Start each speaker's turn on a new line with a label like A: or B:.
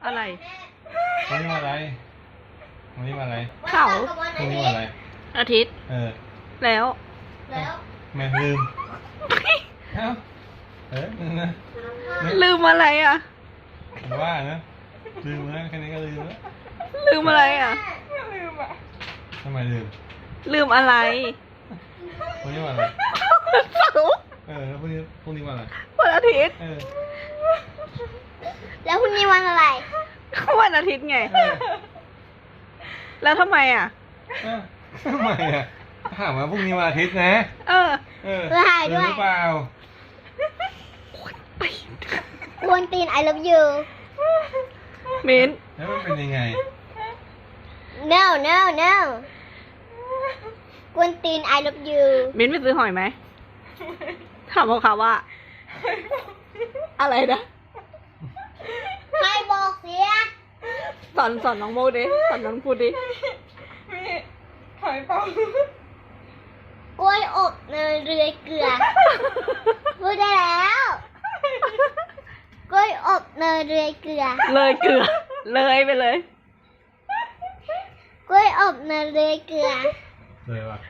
A: อะไร
B: วันนี้มาอะไรวันนี้มาอะไร
A: เขา
B: วันนี้มาอะไร
A: อาทิตย์แล้ว
B: ไม่ลืมเอ้านะ
A: ลืมอะไรอ่ะ
B: ผมว่านะลืมแล้วแค่นี้ก็ลืมแล้ว
A: ลืมอะไรอ่ะ
B: ทำไมลืม
A: ลืมอะไร
B: วันนี้มาอะไร
A: เสาร์
B: แล้วพรุ่งนี้มาอะไร
A: วันอาทิตย์
C: แล้วพรุ่งนี้วันอะไร
A: ก็วันอาทิตย์ไง แล้วทำไมอ่ะ
B: ทำไมอ่ะถามว่าพรุ่งนี้วันอาทิตย์นะ
C: เราถ่ายด้วย
B: หรือเปล่าก
C: วนตีน I love you
A: มิ้น
B: แล้วมันเป็นยังไง
C: no no no กวนตีน I love you
A: มิ้นไปซื้อหอยไหมถามเขาว่า อะไรนะ
C: ให้บอกเสีย
A: สอนน้องโมดิสอนน้องพูดดิ
D: มีหอยเปล่าก
C: ล้วยอบเนยเรือยเกลือ พูดได้แล้ว กล้วยอบเนยเรือยเกลือ
A: เลยเกลือ เลยไปเลย
C: กล้วยอบเนยเรือยเกลือ
B: เลยว่ะ